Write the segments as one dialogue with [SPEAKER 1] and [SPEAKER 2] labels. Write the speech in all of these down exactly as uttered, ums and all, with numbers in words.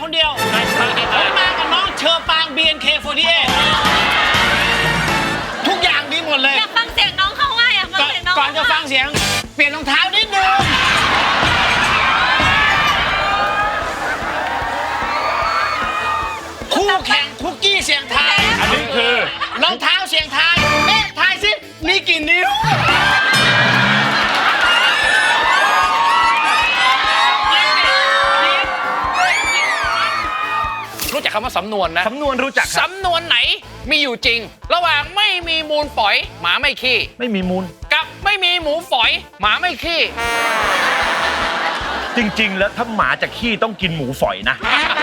[SPEAKER 1] คนเดียวผมมากับน้องเชอปาง บี เอ็น เค สี่สิบแปด ทุกอย่างดีหมดเลย
[SPEAKER 2] อยากฟังเสียงน้องเขาว่าอยากฟังเสียงน้อง
[SPEAKER 1] ก่อนจะฟังเสียงเปลี่ยนรองเท้านิดนึงคู่แข่งคุกกี้เสียงทาย
[SPEAKER 3] อันนี้คือ
[SPEAKER 1] รองเท้าเสียงทายเอ๊ะทายสิมีกี่นิ้ว
[SPEAKER 4] รู้จักคำว่าสำนวนนะ
[SPEAKER 3] สำนวนรู้จักครับ
[SPEAKER 4] สำนวนไหนมีอยู่จริง ระหว่างไม่มีมูลฝอยหมาไม่ขี้
[SPEAKER 3] ไม่มีมูล
[SPEAKER 4] กับไม่มีหมูฝอยหมาไม่ขี้
[SPEAKER 3] จริงๆแล้วถ้าหมาจะขี้ต้องกินหมูฝอยนะ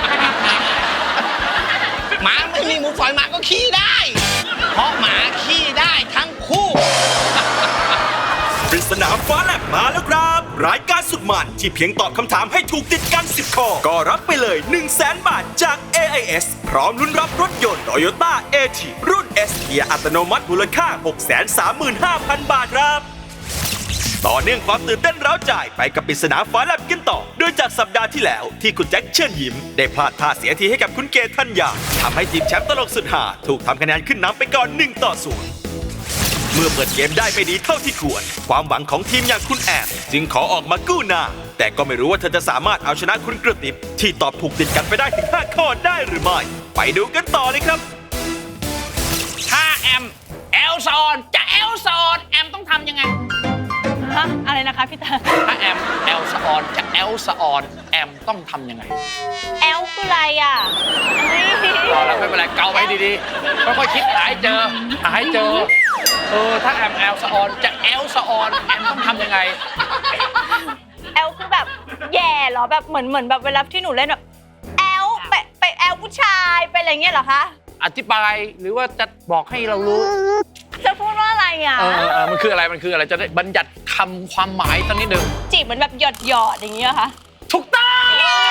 [SPEAKER 1] หมาไม่มีหมูฝอยหมาก็ขี้ได้เพราะหมาขี้ได้ทั้งคู่
[SPEAKER 5] ปริศนาฟ้าแลบมาแล้วครับรายการสุดมันที่เพียงตอบคำถามให้ถูกติดกันสิบข้อก็รับไปเลย หนึ่งแสน บาทจาก เอ ไอ เอส พร้อมลุ้นรับรถยนต์ Toyota เอ ที รุ่น S เกียร์อัตโนมัติมูลค่า หกแสนสามหมื่นห้าพัน บาทครับต่อเนื่องความตื่นเต้นร้าวใจไปกับปริศนาฟ้าแลบกันต่อโดยจากสัปดาห์ที่แล้วที่คุณแจ็คเชิญยิ้มได้พลาดท่าเสียทีให้กับคุณเกธัญญาทำให้ทีมแชมป์ตลกสุดหาถูกทำคะแนนขึ้นนำไปก่อนหนึ่งต่อศูนย์เมื่อเปิดเกมได้ไม่ดีเท่าที่ควรความหวังของทีมอย่างคุณแอมจึงขอออกมากู้หน้าแต่ก็ไม่รู้ว่าเธอจะสามารถเอาชนะคุณกระติบที่ตอบถูกติดกันไปได้ถึงห้าข้อได้หรือไม่ไปดูกันต่อเลยครับ
[SPEAKER 4] ถ้าแอมแอลซอนจะแอลซอนแอมต้องทำยังไง
[SPEAKER 2] ฮะอะไรนะคะพี่ตา
[SPEAKER 4] ถ้าแอมแอลซอนจะแอลซอนแอมต้องทำยังไง
[SPEAKER 2] แอลคืออะไรอ่ะ
[SPEAKER 4] รอแล้วไม่เป็นไรเกาไปดีๆค่อยๆคิดหาให้เจอหาให้เจอเออถ้าแอมแอลซอนจะแอลซอนแอมต้องทำยังไง
[SPEAKER 2] แอลคือแบบแย่เหรอแบบเหมือนเหมือนแบบเวลาที่หนูเล่นแบบแอลไปไปแอลผู้ชายไปอะไรเงี้ยเหรอคะ
[SPEAKER 4] อธิบายหรือว่าจะบอกให้เรารู้
[SPEAKER 2] จะพูดว่าอะไรอ่ะ
[SPEAKER 4] เออเออมันคืออะไรมันคืออะไรจะได้บัญญัติคำความหมายสักนิดหนึ่ง
[SPEAKER 2] จีบเหมือนแบบหยอดหยอดอย่างเงี้ยค่ะ
[SPEAKER 4] ถูกต้อง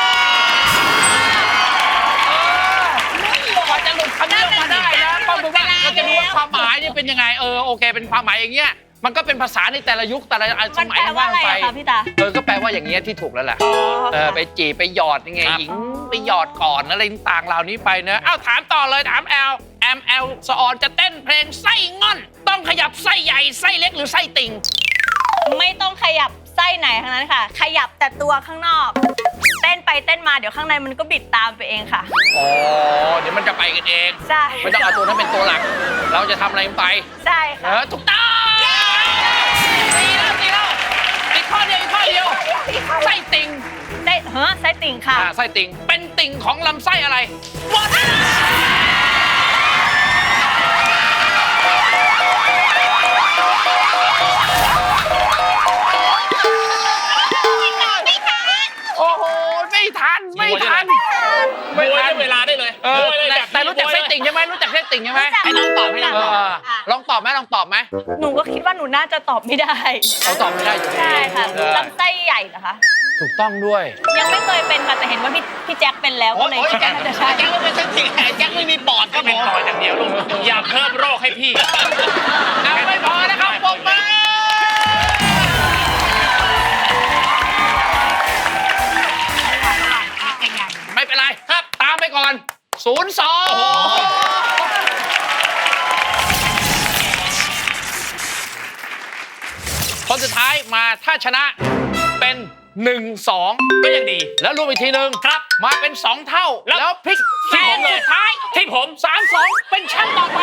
[SPEAKER 4] กว่าจะหลุดคำนี้ออกมาได้นะต้องดูว่าเราจะรู้ว่าความหมายนี่เป็นยังไงเออโอเคเป็นความหมายอย่างเงี้ยมันก็เป็นภาษาในแต่ละยุคแต่ละสมัยว่างไปเออก็แปลว่าอย่างเงี้ยที่ถูกแล้วแหละเออไปจีบไปหยอดยังไงหญิงไปหยอดก่อนอะไรต่างๆเหล่านี้ไปเนอะเอ้าถามต่อเลยถามแอลแอมแอลสออนจะเต้นเพลงไส้ง่อนต้องขยับไส้ใหญ่ไส้เล็กหรือไส้ติ่ง
[SPEAKER 2] ไม่ต้องขยับไส้ไหนทั้งนั้นค่ะขยับแต่ตัวข้างนอกเต้นไปเต้นมาเดี๋ยวข้างในมันก็บิดตามไปเองค่ะ
[SPEAKER 4] อ๋อเดี๋ยวมันจะไปกันเอง
[SPEAKER 2] ใช่
[SPEAKER 4] ไม่ต้องเอาตัวนั้นเป็นตัวหลักเราจะทำอะไรไป
[SPEAKER 2] ใช่ค่ะ
[SPEAKER 4] เออถูกต้องตีแล้วตีแล้วอีกข้อเดียวอีกข้อเดียวไส้ติ่ง
[SPEAKER 2] ไส้เฮ้อไส้ติ่งค่ะ
[SPEAKER 4] ไส้ติ่งเป็นติ่งของลำไส้อะไรหมดโอ้โหไม่ทันไม่ทัน
[SPEAKER 1] ไม่ทันเวลาได้เลย
[SPEAKER 4] เออแต่รู้จักไส้ติ่งใช่ไหมรู้จักไส้ติ่งใช่ไหม
[SPEAKER 1] ให้น้องตอบให้น้องตอบ
[SPEAKER 4] ลองตอบไหมลองตอบไหม
[SPEAKER 2] หนูก็คิดว่าหนูน่าจะตอบไม่ได้
[SPEAKER 4] เขาตอบไม่ได้อยู่
[SPEAKER 2] ใช่ค่ะลำไส้ใหญ่เหรอคะ
[SPEAKER 4] ถูกต้องด้วย
[SPEAKER 2] ยังไม่เคยเป็นค่ะแต่เห็นว่าพี่พี่แจ็คเป็นแล้วก็เลยแจ็คจะใช่
[SPEAKER 1] แจ็คไม่เป็นไส้ติ่งแจ็คไม่มีปอดก็
[SPEAKER 3] เป็นปอดอย่างเดียวลูกอย่าเพิ่มโรคให้พี่
[SPEAKER 4] เอาไม่พอนะครับปกมาไม่เป็นไรครับตามไปก่อนศูนย์สองคนสุดท้ายมาถ้าชนะเป็นหนึ่งสอง
[SPEAKER 1] ก็ยังดี
[SPEAKER 4] แล้วรวมอีกทีหนึ่ง
[SPEAKER 1] ครับ
[SPEAKER 4] มาเป็นสองเท่าแล้วพลิกแซงสุดท้าย
[SPEAKER 1] ที่ผม
[SPEAKER 4] สามสองเป็นแชมป์ต่อไป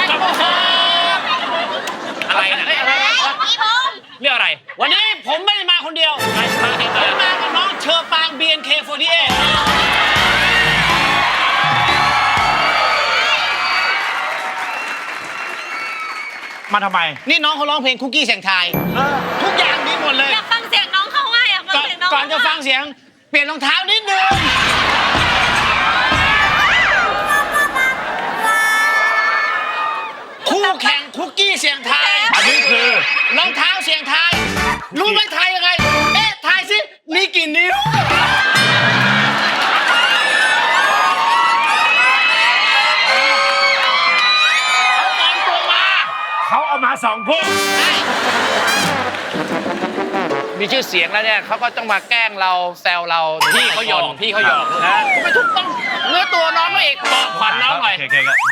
[SPEAKER 1] อะไรนะ
[SPEAKER 2] พี่พงษ์
[SPEAKER 1] เรื่องอะไรวันนี้ผมไม่ได้มาคนเดียวผมมากับน้องเชอปาง บี เอ็น เค สี่สิบแปด
[SPEAKER 3] มาทำไม
[SPEAKER 1] นี่น้องเขาร้องเพลงคุกกี้เสียงทายทุกอย่างดีหมดเลย
[SPEAKER 2] อยากฟังเสียงน้องเขาว่าอยากฟังเสียงน้อง
[SPEAKER 1] ก่อนจะฟังเสียงเปลี่ยนรองเท้านิดนึงคู่แข่งคุกกี้เสียงทาย
[SPEAKER 3] อันนี้คือ
[SPEAKER 1] รองเท้าเสียงทายรู้ไหมทายยังไงเอ๊ะทายสิมีกี่นิ้ว
[SPEAKER 3] เขาเอามาสองคู่
[SPEAKER 4] มีมีชื่อเสียงแล้วเนี่ยเขาก็ต้องมาแกล้งเราแซวเรา
[SPEAKER 1] พี่เขาหยอกพี่เขาหยอก
[SPEAKER 4] นะคุณไม่ถูกต้องเนื้อตัวน้องเขาเอง
[SPEAKER 1] บอกขวัญน้องหน่อย
[SPEAKER 3] โอเคครับ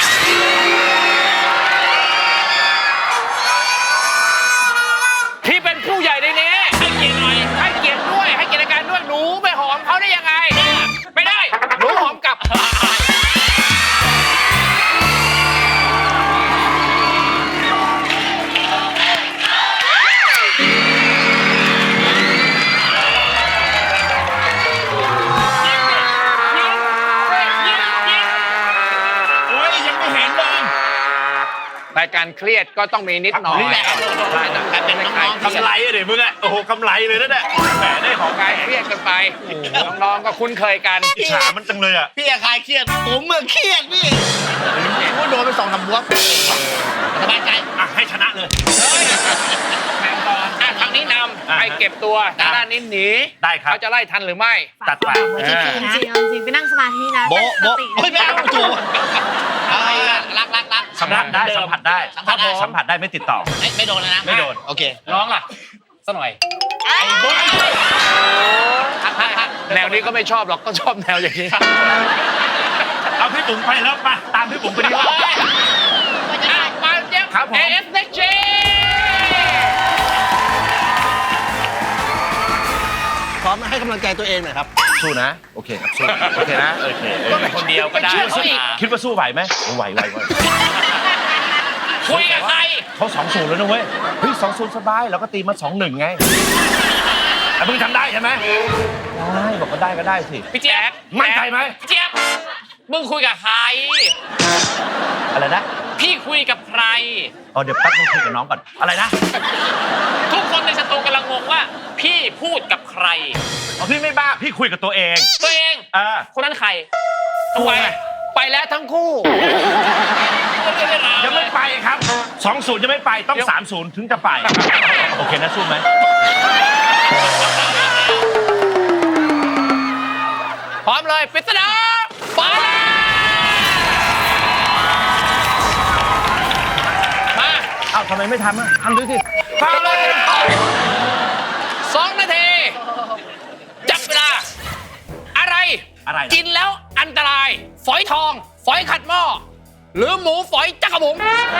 [SPEAKER 4] พี่เป็นผู้ใหญ่ในนี้
[SPEAKER 1] ให้เกียรติหน่อย
[SPEAKER 4] ให้เกียรติด้วยให้เกียรติการด้วยหนูไปหอมเขาได้ยังไง
[SPEAKER 1] ไม่ได้
[SPEAKER 4] หนูหอมกลับ
[SPEAKER 3] โอ้ยยังไม่เห็นเลย
[SPEAKER 4] รายการเครียดก็ต้องมีนิดหน่อย
[SPEAKER 1] นี่แหละ
[SPEAKER 4] ใช่นะ
[SPEAKER 1] กลายเป็นน้องๆ
[SPEAKER 3] กำไรอะเดี๋ยวมึงอะโอ้โหกำไรเลยนั่นแหละแหมได้ของ
[SPEAKER 4] กายเครียดกันไปน้องๆก็คุ้นเคยกัน
[SPEAKER 3] อิจฉามันจังเลยอะ
[SPEAKER 1] พี่อะคลายเครียด ผมเมื่อเครียดพี่ผมก็โดนไปสองสามบวกสบายใจ
[SPEAKER 3] อ่ะให้ชนะเลย
[SPEAKER 4] แข่งก่อนอ่ะทางนี้นำ
[SPEAKER 3] อ่า
[SPEAKER 4] ไปเก็บตัวทางด้านนี้หนี
[SPEAKER 3] ได้ครับ
[SPEAKER 4] เขาจะไล่ทันหรือไม่
[SPEAKER 3] จัดไป
[SPEAKER 2] จริงจริงจริงไปนั่งสมาธินะ
[SPEAKER 1] โบ๊ะ
[SPEAKER 2] ตั้ง
[SPEAKER 1] โบ๊ะ
[SPEAKER 2] สติ
[SPEAKER 1] เฮ้ยไม่เอาถูกเอาละรักรักรัก
[SPEAKER 3] สัมผัสได้สัมผัสได้
[SPEAKER 1] สัมผัสได้
[SPEAKER 3] สัมผัสได้ไม่ติดต่อ
[SPEAKER 1] ไม่ไม่โดนแล้วนะ
[SPEAKER 3] ไม่โดน
[SPEAKER 1] โอเค
[SPEAKER 4] น้องล่ะสักหน่อย
[SPEAKER 2] ไอ้โบ๊ะ
[SPEAKER 1] พักพักพัก
[SPEAKER 4] แนวนี้ก็ไม่ชอบหรอกก็ชอบแนวอย่างนี้
[SPEAKER 3] เอาพี่บุ๋มไปแล้วไปตามพี่บุ๋มไปดีกว่า
[SPEAKER 4] อ่ะมาเจ็บ
[SPEAKER 3] ครับผม
[SPEAKER 4] เอสเน็กเจ
[SPEAKER 1] พร้อมให้กำลังใจตัวเองหน่อยครับ
[SPEAKER 3] สู้นะ โอเคครับสู้โอเคนะโอเคเออ
[SPEAKER 1] คนเดียวก็ได้
[SPEAKER 4] ไปเชื่อเขาอีก
[SPEAKER 3] คิดว่าสู้ไหวไหมไหวไหวไหว
[SPEAKER 1] คุยกับใคร
[SPEAKER 3] เขาสองศูนย์แล้วนะเว้ยเฮ้ยสองศูนย์สบายเราก็ตีมาสองหนึ่งไงแต่มึงทำได้ใช่ไหมได้บอกว่าได้ก็ได้สิ
[SPEAKER 1] พี่เจี๊ยบ
[SPEAKER 3] มั่นใจไหม
[SPEAKER 1] พี่เจี๊ยบมึงคุยกับใคร
[SPEAKER 3] อะไรนะ
[SPEAKER 1] พี่คุยกับใคร
[SPEAKER 3] อ๋อเดี๋ยวแป๊บนึงคุยกับน้องก่อนอะไรนะ
[SPEAKER 1] ทุกคนในสตูกำลังงงว่า พี่พูดกับใคร
[SPEAKER 3] อ๋อพี่ไม่บ้าพี่คุยกับตัวเอง
[SPEAKER 1] ตัวเอง
[SPEAKER 3] เออ
[SPEAKER 1] คนนั้นใคร
[SPEAKER 4] ทำไมไปแล้วทั้งคู่
[SPEAKER 3] ยังไม่ไปครับสองศูนย์ยังไม่ไปต้องสามศูนย์ถึงจะไปโอเคนะสู้ไหม
[SPEAKER 4] พร้อมเลยปริศนาฟ้าแลบมา
[SPEAKER 3] อ้าวทำไมไม่ทำอ่ะทำด้วยสิ
[SPEAKER 4] พร้อมเลยสองนาทีจับเวลา อะไร
[SPEAKER 3] อะไรนะ
[SPEAKER 4] กินแล้วอันตราย ฝอยทอง ฝอยขัดหม้อ หรือหมูฝอยจักรบุ๋ม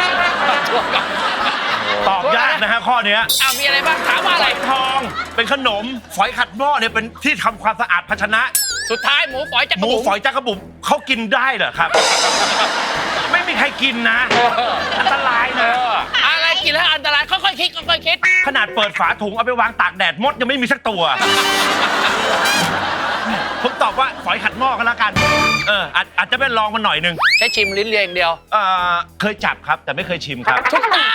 [SPEAKER 3] ตอบยากนะฮะข้อเนี้ย
[SPEAKER 4] อ้าวมีอะไรบ้างถามว่าอะไร
[SPEAKER 3] ฝอยทองเป็นขนมฝอยขัดหม้อเนี่ยเป็นที่ทำความสะอาดภาชนะ
[SPEAKER 4] สุดท้ายหมูฝอยจัก
[SPEAKER 3] ห
[SPEAKER 4] ร
[SPEAKER 3] มู
[SPEAKER 4] บุ๋ม
[SPEAKER 3] ฝอยจักระบุ๋มเขากินได้เหรอครับ ไม่มีใครกินนะ อันตราย
[SPEAKER 4] เอ
[SPEAKER 3] นะ
[SPEAKER 4] ออะไรกินแล้วอันตรายค่อยๆคิดค่อยๆคิด
[SPEAKER 3] ขนาดเปิดฝาถุงเอาไปวางตากแดดมดยังไม่มีสักตัว ผมตอบว่าฝอยขัดหม้อกันแล้วกัน เอออาจอาจจะเป็นลองมันหน่อยหนึง
[SPEAKER 4] ใช้ชิมลิ้นเลียอย่างเดียว
[SPEAKER 3] เออเคยจับครับ แต่ไม่เคยชิมครับ
[SPEAKER 4] ทุกตา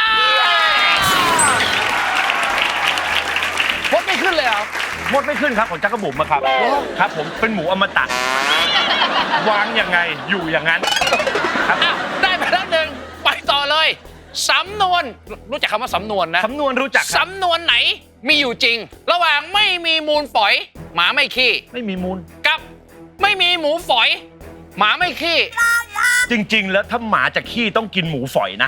[SPEAKER 4] พดไม่ขึ้นเลยเหรอ
[SPEAKER 3] มดไม่ขึ้นครับของจักระบุ๋มอะครับ ครับ ผมเป็นหมูอมตะ วางยังไงอยู่อย่างนั้น ครับ
[SPEAKER 4] อ่ะได้ไปแล้วหนึ่งไปต่อเลย สำนวน รู้จักคำว่าสำนวนนะ
[SPEAKER 3] สำนวนรู้จักครับ
[SPEAKER 4] สำนวนไหนมีอยู่จริง ระหว่างไม่มีมูลฝอย หมาไม่ขี้
[SPEAKER 3] ไม่มีมูล
[SPEAKER 4] กับไม่มีหมูฝอย หมาไม่ขี้
[SPEAKER 3] จริง ๆ แล้วถ้าหมาจะขี้ต้องกินหมูฝอยนะ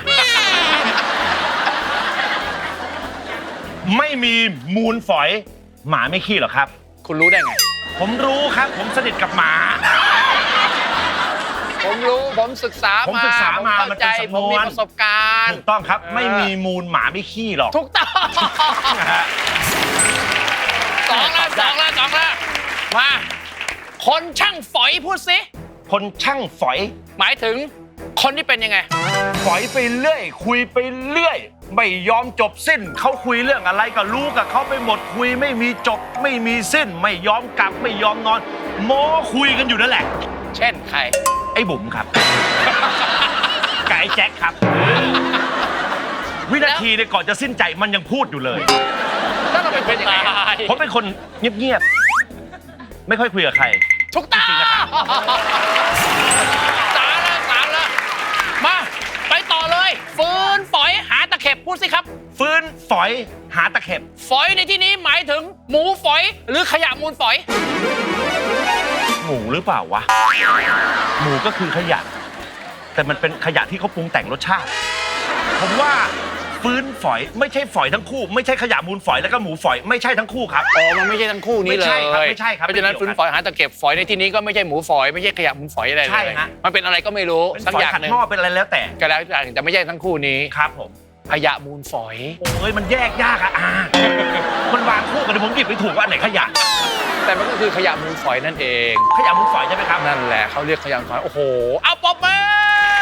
[SPEAKER 3] ไม่มีมูลฝอย หมาไม่ขี้หรอกครับ
[SPEAKER 4] คุณรู้ได้ไง
[SPEAKER 3] ผมรู้ครับ ผมสนิทกับหมา
[SPEAKER 4] ผมรู้ผมศึกษา
[SPEAKER 3] ผมศึกษามา
[SPEAKER 4] ผ
[SPEAKER 3] มัน
[SPEAKER 4] เข้า
[SPEAKER 3] เป็น
[SPEAKER 4] ใจ
[SPEAKER 3] สำนวน
[SPEAKER 4] ผมมีประสบการณ์
[SPEAKER 3] ถูกต้องครับ
[SPEAKER 4] เออ
[SPEAKER 3] ไม่มีมูลหมาไม่ขี้หรอก
[SPEAKER 4] ถูกต้อง
[SPEAKER 3] นะฮะ
[SPEAKER 4] สองละสองละสองละมา คนช่างฝอยพูดสิ
[SPEAKER 3] คนช่างฝอย
[SPEAKER 4] หมายถึงคนที่เป็นยังไง
[SPEAKER 3] ฝอยไปเรื่อย คุยไปเรื่อย ไม่ยอมจบสิ้น เขาคุยเรื่องอะไรก็รู้กับเขาไปหมดคุยไม่มีจบ ไม่มีสิ้น ไม่ยอมกลับไม่ยอมนอนโม้คุยกันอยู่นั่นแหละ
[SPEAKER 4] เช่นใคร
[SPEAKER 3] ไอ้บุ๋มครับ กับไอ้แจ็คครับ วินาทีเนี่ยก่อนจะสิ้นใจมันยังพูดอยู่เลย
[SPEAKER 4] แล้วเราเป็นคนยังไง
[SPEAKER 3] ผมเป็นคนเงียบๆ ไม่ค่อยคุยกับใคร
[SPEAKER 4] ถูกต้อง
[SPEAKER 3] จริงๆนะครับ
[SPEAKER 4] สามละสามละมา ไปต่อเลย ฟืนฝอยหาตะเข็บพูดสิครับ
[SPEAKER 3] ฟื้นฝอยหาตะเข็บ
[SPEAKER 4] ฝอยในที่นี้หมายถึงหมูฝอยหรือขยะมูลฝอย
[SPEAKER 3] หมูหรือเปล่าวะ หมูก็คือขยะ แต่มันเป็นขยะที่เขาปรุงแต่งรสชาติ ผมว่าฟื้นฝอยไม่ใช่ฝอยทั้งคู่ ไม่ใช่ขยะมูลฝอยแล้วก็หมูฝอยไม่ใช่ทั้งคู่ครับ
[SPEAKER 4] อ๋อมันไม่ใช่ทั้งคู่นี้เลย
[SPEAKER 3] ไม่ใช่ครับไม่ใช่ครับ
[SPEAKER 4] เพราะฉะนั้น
[SPEAKER 3] ไม่เกี่
[SPEAKER 4] ฟื้
[SPEAKER 3] ย
[SPEAKER 4] น
[SPEAKER 3] วกัน
[SPEAKER 4] ฝอยหาตะเข็บฝอยในที่นี้ก็ไม่ใช่หมูฝอยไม่ใช่ขยะมูลฝอยอะไรเลย
[SPEAKER 3] ใช่ฮะ
[SPEAKER 4] มันเป็นอะไรก็ไม่รู้
[SPEAKER 3] เป็น
[SPEAKER 4] สัก
[SPEAKER 3] ฝอย
[SPEAKER 4] อย่าง
[SPEAKER 3] ขัด
[SPEAKER 4] หนึ่ง
[SPEAKER 3] หม้อเป็นอะไรแล้วแต่
[SPEAKER 4] ก็แล้วอย่างแต่ไม่ใช่ทั้งคู่นี้
[SPEAKER 3] ครับผม
[SPEAKER 4] ขยะมูลฝอย
[SPEAKER 3] โอ้ยมันแยกยากอะอ่ามันวางคู่กันเดี๋ยวผมหยิบไปถูกว่าอันไหนขยะ
[SPEAKER 4] แต่มันก็คือขยะมูลฝอยนั่นเอง
[SPEAKER 3] ขยะมูลฝอยใช่ไหมครับ
[SPEAKER 4] นั่นแหละเขาเรียกขยะมูลฝอยโอ้โหเอาปอบมือ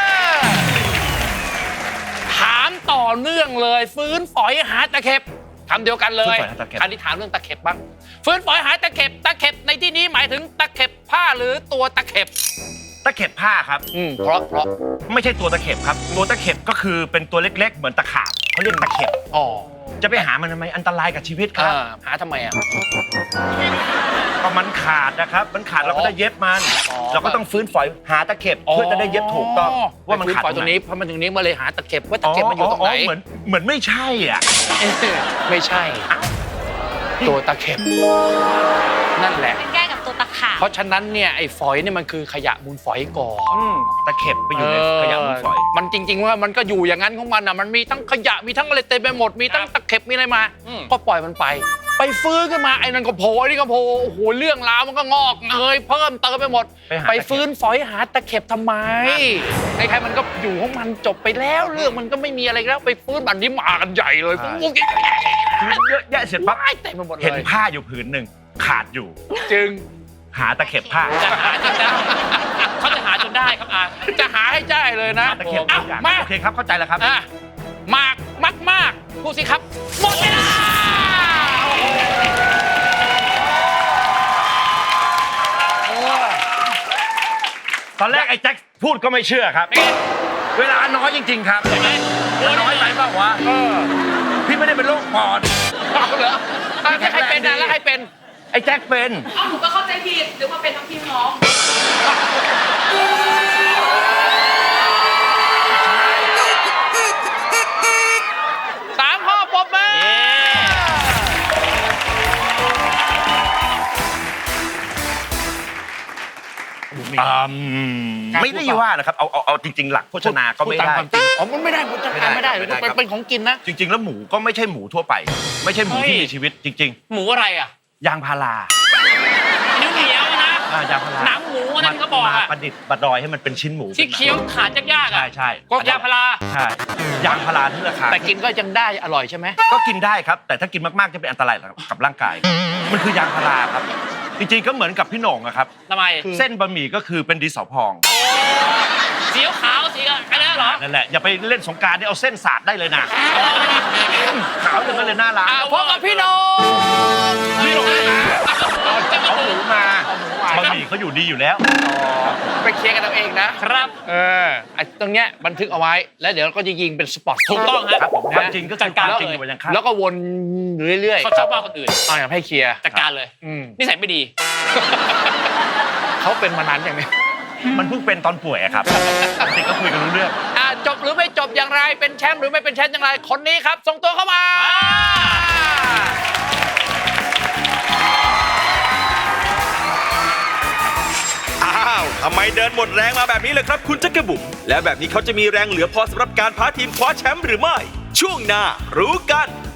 [SPEAKER 4] ถามต่อเนื่องเลย ฟื้นฝอยหาตะเข็บคำเดียวกันเลย
[SPEAKER 3] ฟื้นฝอยหาตะเข็บ
[SPEAKER 4] อันนี้ถามเรื่องตะเข็บบ้างฟื้นฝอยหาตะเข็บตะเข็บในที่นี้หมายถึงตะเข็บผ้าหรือตัวตะเข็บ
[SPEAKER 3] ตะเข็บผ้าครับ
[SPEAKER 4] อืมเพราะเพราะ
[SPEAKER 3] ไม่ใช่ตัวตะเข็บครับ ตัวตะเข็บก็คือเป็นตัวเล็ก ๆ เหมือนตะขาบเขาเรียกตะเข็บ
[SPEAKER 4] อ๋อ
[SPEAKER 3] จะไปหามันทำไมอันตรายกับชีวิตครับ
[SPEAKER 4] อ่าหาทำไมอ่ะ
[SPEAKER 3] ก็มันขาดนะครับ มันขาดเราก็จะเย็บมัน
[SPEAKER 4] อ๋อ
[SPEAKER 3] เราก็ต้องฟื้นฝอยหาตะเข็บเพื่อจะได้เย็บถูกต้องว่ามันขาด
[SPEAKER 4] ไปฟื้นฝอยตรงนี้เพราะมันตรงนี้มาเลยหาตะเข็บว่าตะเข็บมันอยู่ตรงไหน
[SPEAKER 3] เหมือนเหมือนไม่ใช่อ่ะ
[SPEAKER 4] เอ๊ะไม่ใช่ ตัวตะเข็บนั่นแหละ
[SPEAKER 2] เป็นแก้กับตัวตะขาบ
[SPEAKER 4] เพราะฉะนั้นเนี่ยไอ้ฝอยเนี่ยมันคือขยะมูลฝอยก่อน
[SPEAKER 3] อืมตะเข็บไปอยู่ในขยะมูลฝอย
[SPEAKER 4] มันจริง ๆ ว่ามันก็อยู่อย่างนั้นของมันอ่ะมันมีทั้งขยะมีทั้งอะไรเต็มไปหมดมีทั้งตะเข็บมีอะไรมา ก็ปล่อยมันไป ไปฟื้นขึ้นมาไอ้นั่นก็โผล่ไอ้นี่ก็โผล่โอ้โหเรื่องราวมันก็งอกเงยเพิ่มเติมไปหมด
[SPEAKER 3] ไปหา
[SPEAKER 4] ไป
[SPEAKER 3] ตะเข็บ
[SPEAKER 4] ฟื้นฝอยหาตะเข็บทำไมใครๆมันก็อยู่ของมันจบไปแล้วเรื่องมันก็ไม่มีอะไรแล้วไปฟื้นบันนี้มากันใหญ่เลยฟุ้งฟุ้ง
[SPEAKER 3] คือเยอะแยะเสร็จปั๊บ
[SPEAKER 4] ว้ายเต็มไปหมดเลย
[SPEAKER 3] เห็นผ้าอยู่ผืนหนึ่งขาดอยู่
[SPEAKER 4] จึง
[SPEAKER 3] หาตะเข็บผ้า
[SPEAKER 1] จะหาจนได้เขาจะหาจนได้ครับอา
[SPEAKER 4] จะหาให้ได้เลยนะ
[SPEAKER 3] หาตะเข็บ
[SPEAKER 4] อ้า
[SPEAKER 3] ทุกอย่าง
[SPEAKER 4] มา
[SPEAKER 3] โอเคครับเข้าใจแล้วครับ
[SPEAKER 4] อ่ะมากมากมากพูดสิครับหมดเวลา
[SPEAKER 3] ตอนแรกไอ้แจ็คพูดก็ไม่เชื่อครับ เวลาน้อยจริง ๆ ครับ
[SPEAKER 1] ใช่ไหม
[SPEAKER 3] น้อยไปเปล่าวะพี่ไม่ได้เป็นโรคปอด
[SPEAKER 4] เอาเหรออ่ะแล้วใครเป็นนะแล้วใครเป็น
[SPEAKER 3] ไอ้แจ็คเป็น
[SPEAKER 6] อ้าวหนูก็เข้าใจผิดหรือว่าเป็นทั้งพี่น้อง
[SPEAKER 4] สามข้อปรบมือ
[SPEAKER 3] อืมไม่ได้ว่านะครับเอาเอาเอาจริง ๆ หลักโภชนาก็ไม่
[SPEAKER 4] พูตา
[SPEAKER 3] ได้
[SPEAKER 4] ความจริงอ๋อมันไม่ได้มันจะ
[SPEAKER 3] ไม่ได้
[SPEAKER 4] ไม่ได้
[SPEAKER 3] ไม่ได้
[SPEAKER 4] เป็น
[SPEAKER 3] ครับ
[SPEAKER 4] เป็นของกินนะ
[SPEAKER 3] จริง ๆ แล้วหมูก็ไม่ใช่หมูทั่วไป ไม่ใช่หมูที่มีชีวิตจริง
[SPEAKER 1] หมูอะไรอ่ะ
[SPEAKER 3] ๆ ยางพารา
[SPEAKER 1] เหนียวเหนียวๆนะ
[SPEAKER 3] อ่ายางพารา
[SPEAKER 1] หนังหมูอันนั้นเขาบอกอะ
[SPEAKER 3] มาประดิษฐ์ประดอยให้มันเป็นชิ้นหมู
[SPEAKER 1] ที่เคี้ยวขาดยากๆ
[SPEAKER 3] ใช่
[SPEAKER 1] อ่ะ
[SPEAKER 3] ใช่
[SPEAKER 1] ก็ยาพารา
[SPEAKER 3] ใช่ยางพาราที่ราคา
[SPEAKER 4] แต่กินก็ยังได้อร่อยใช่ไหม
[SPEAKER 3] ก็กินได้ครับ แต่ถ้ากินมากๆจะเป็นอันตรายกับร่างกาย มันคือยางพาราครับ จริงๆก็เหมือนกับพี่โหน่งอะครับ
[SPEAKER 1] ทำไม
[SPEAKER 3] เส้นบะหมี่ก็คือเป็นดินสอพอง
[SPEAKER 1] สีขาวสีอะไรเหรอ
[SPEAKER 3] นั่นแหละอย่าไปเล่นสงกรารนี่เอาเส้นสาดได้เลยนะขาวอย่างนั้นเลยหน้าร้าน
[SPEAKER 4] อ่ะพบกับพี่โหนง
[SPEAKER 3] พี่โหน่งเลยนะ
[SPEAKER 1] จะมา
[SPEAKER 3] เอาห
[SPEAKER 1] ดู
[SPEAKER 3] มูมาบะหมี่เขาอยู่ดีอยู่แล้ว
[SPEAKER 4] ไปเคลียร์กันเอาเองนะครับ เออไอ้ตรงเนี้ยบันทึกเอาไว้แล้วเดี๋ยวเราก็จะยิงเป็นสปอต
[SPEAKER 1] ถูกต้องฮะ
[SPEAKER 3] ครับผม
[SPEAKER 4] นะ
[SPEAKER 3] ความจริงก็
[SPEAKER 1] จั
[SPEAKER 3] คือ
[SPEAKER 1] ด
[SPEAKER 3] ค
[SPEAKER 1] การ
[SPEAKER 3] วาม
[SPEAKER 1] เลย
[SPEAKER 3] จริงอยู่บนยังข้าง
[SPEAKER 4] แล้วก็วนเรื่อยๆ
[SPEAKER 1] เขาชอบว่าคนอื่น
[SPEAKER 4] เอาอย่างให้เคลียร์
[SPEAKER 1] จัดการเลย
[SPEAKER 4] อืม
[SPEAKER 1] นิสัยไม่ดี
[SPEAKER 4] เขาเป็นมานานอย่างนี้
[SPEAKER 3] มันเพิ่งเป็นตอนป่วยอะครับปกติก็คุยกันรู้เรื่อง
[SPEAKER 4] อ่ะจบหรือไม่จบอย่างไรเป็นแชมป์หรือไม่เป็นแชมป์อย่างไรคนนี้ครับส่งตัวเข้ามา
[SPEAKER 5] อ้าวทำไมเดินหมดแรงมาแบบนี้เลยครับคุณจักรบุ๋มและแบบนี้เขาจะมีแรงเหลือพอสำหรับการพาทีมคว้าแชมป์หรือไม่ ช่วงหน้ารู้กัน